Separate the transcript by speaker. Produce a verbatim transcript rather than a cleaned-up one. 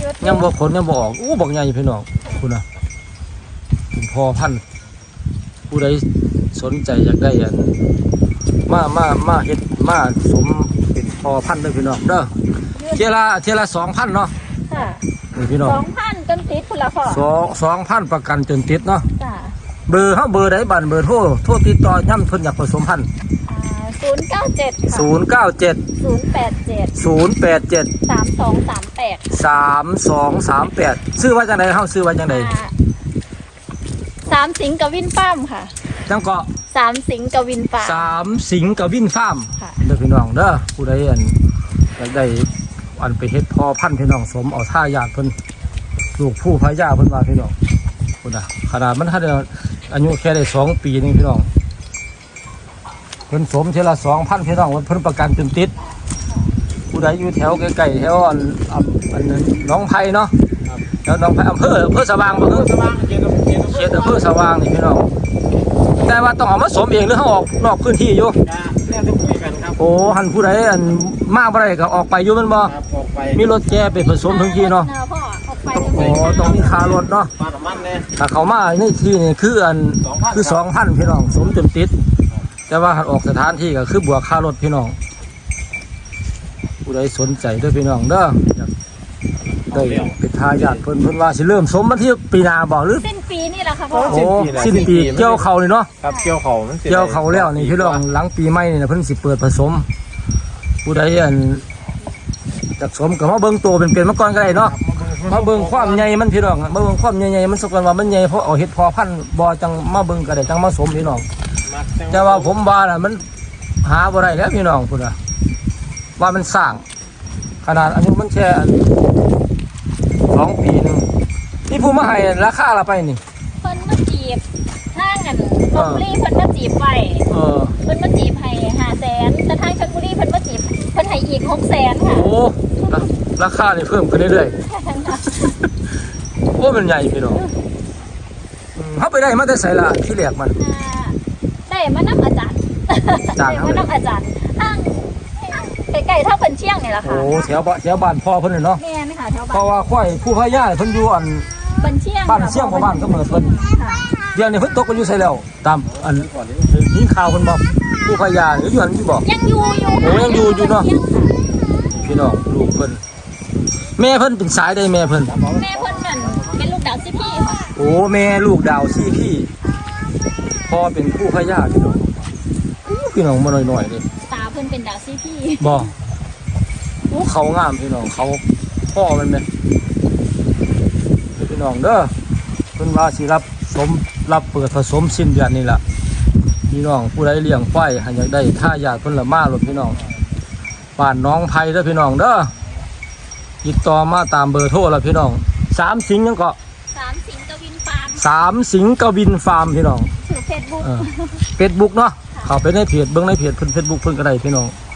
Speaker 1: ยังบ่ขนยังบ่ออกอู้บอกใหญ่พี่น้องคุณนะเป็นพอพันธุ์ผู้ใดสนใจอยากได้อันมามามาเฮ็ดมาสมเป็นพอพันธุ์เด้อพี่น้องเด้อเทียละเทียละสองพันเนาะ
Speaker 2: ค่ะ
Speaker 1: นี่พี่น้อง
Speaker 2: สองพันจนติดพุ่นละพ่อ
Speaker 1: สองสองพันประกันจนติดเนาะ
Speaker 2: จ้ะ
Speaker 1: เบอร์เขาเบอร์ใดบันเบอร์โทรโทรติดต่อย่ำเพิ่นอยากผสมพันธุ์
Speaker 2: ศูนย์เก้าเจ็ด
Speaker 1: ศูนย์เก้าเจ็ด
Speaker 2: ศูนย์แปดเจ็ด
Speaker 1: ศูนย์แปดเจ็ด
Speaker 2: สามสองสามแปด
Speaker 1: สามสองสามแปดซื้อว่าจังไดเฮาซื้อว่าจังได
Speaker 2: สามสิงกวินฟาร์มค่ะ
Speaker 1: จังเกาะ
Speaker 2: สามสิงกวินฟาร์ม
Speaker 1: สามสิงกวินฟาร์ม
Speaker 2: ค่ะ
Speaker 1: เด้อพี่น้องเด้อผู้ใดอันอยากได้อันไปเฮ็ดพอพันธุ์พี่น้องสมเอาท่ายาเพิ่นลูกผู้พญาเพิ่นว่าพี่น้องพุ่นน่ะขนาดมันถ้าอายุแค่ได้สองปีนึงพี่น้องเพิ่นสมเท่าละสองพันพี่น้องเพิ่นประกันจนติดผู้ใดอยู่แถวใกล้ๆแถวอันอันน้องไผ่เนาะแล้วน้องไผ่อำเภออำเภอสว่างบ่เออสว่างเขตเขตอำเภอสว่างนี่พี่น้องแต่ว่าต้องเอามาสมเองหรือเฮาออกนอกพื้นที่อยู่
Speaker 3: แล้วต้องคุยกันครับ
Speaker 1: โอ้หันผู้ใดอันมากบ่ได้ก็ออกไปอยู่มันบ่มีรถแกไปผสมถึงที่เนาะโอ้ต้องมีค่ารถเนาะถ้าเขามาในที่นี่คืออันคือสองพันพี่น้องสมจนติดแต่ว่าหันออกสถานที่ก็คือบวกค่ารถพี่น้องผู้ใดสนใจด้วยพี่น้องเด้อได้เป็นทายาทเพิ่นเพิ่นว่าสิเริ่มสมมาที่ปีหน้าบ่หรือ
Speaker 2: สิ้นปีนี่แหละค่ะพ่อ
Speaker 1: โอ้สิ้นปีเกี่ยวเขาเลยเนาะ
Speaker 3: ครับเกี่ยวเขามัน
Speaker 1: เกี่ยวเขาแล้วนี่พี่น้องหลังปีใหม่นี่นะเพิ่นสิเปิดผสมผู้ใดอันจากสมก็มาเบิ่งตัวเป็นๆมาก่อนก็ได้เนาะมาเบิ่งความใหญ่มันพี่น้องมาเบิ่งความใหญ่ๆมันสักวันว่ามันใหญ่เพราะเอาเห็ดพอพันธุ์บ่จังมาเบิ่งก็ได้จังมาสมพี่น้องแต่ว่าผมว่าน่ะมันหาบ่ได้แล้วพี่น้องพุ่นน่ะว่ามันสร้างขนาดอายุมันแค่สองปีนึงนี่ผู้มาให้ราคาละไปนี่
Speaker 2: เพิ่นมาจีบทางอันชลบุรีเพิ่นมาจีบไป
Speaker 1: เออ
Speaker 2: เพิ่นมาจีบให้ห้าแสนแต่ทางชลบุรีเพิ่นมาจีบเพิ่นให้อีกหกแสนค่ะ
Speaker 1: โอ้ราคานี่เพิ่มขึ้นเรื่อยๆโอ้มันใหญ่พี่น้องเขาไปได้มาแต่ใส่ละที่แหลกมัน
Speaker 2: ได้มานับอาจารย์ได้มานับอาจารย์ทางไก่ๆเท่าเพิ่นเชียงนี่แหละค่ะ
Speaker 1: โอ้แถวบ้านแถวบ้านพ่อเพิ่นเนาะ
Speaker 2: แม่นค่ะแถวบ้าน
Speaker 1: เพราะว่าควายผู้พญาเพิ่นอยู่อัน
Speaker 2: เพิ่นเชียง
Speaker 1: บ้านเชียงของบ้านก็เหมือนเพิ่นเดี๋ยวนี้เพิ่นตกกันอยู่ใส่แล้วตามอันนี้ข่าวเพิ่นบอกผู้พญาอยู่อยู่อันอยู่บ่
Speaker 2: ยังอยู่อยู่
Speaker 1: โอ้ยังอยู่อยู่เนาะพี่น้องลูกเพิ่นแม่เพิ่นเป็นสายใดแม่เพิ่น
Speaker 2: แม่เพิ่นนั่นเป็นลูกดาวซีพี่ค่ะ
Speaker 1: โอ้แม่ลูกดาวซีพี่พ่อเป็นผู้พญาพี่น้องพี่น้องมาหน่อยๆดิ
Speaker 2: ตาเพิ่นเป็นดาวซีพี่
Speaker 1: บ่โอ้เขางามพี่น้องเขาพ่อมันแม่พี่น้องเด้อเพิ่นว่าสิรับสมรับเปิดผสมสิ้นเดือนนี่ล่ะพี่น้องผู้ใดเลี้ยงควายอยากได้ท่ายาเพิ่นละมาลงพี่น้องบ้านน้องไผ่เด้อพี่น้องเด้อติดต่อมาตามเบอร์โทรแล้วพี่น้องสามสิงยังเกาะ
Speaker 2: สามสิงกวินฟาร์ม
Speaker 1: สามสิงกวินฟาร์มพี่น้อง
Speaker 2: ชื่อเฟซบุ๊ก
Speaker 1: เฟซบุ๊กเนาะเข้าไปในเพจเบิ่งในเพจเพิ่นเฟซบุ๊กเพิ่นก็ได้พี่น้อง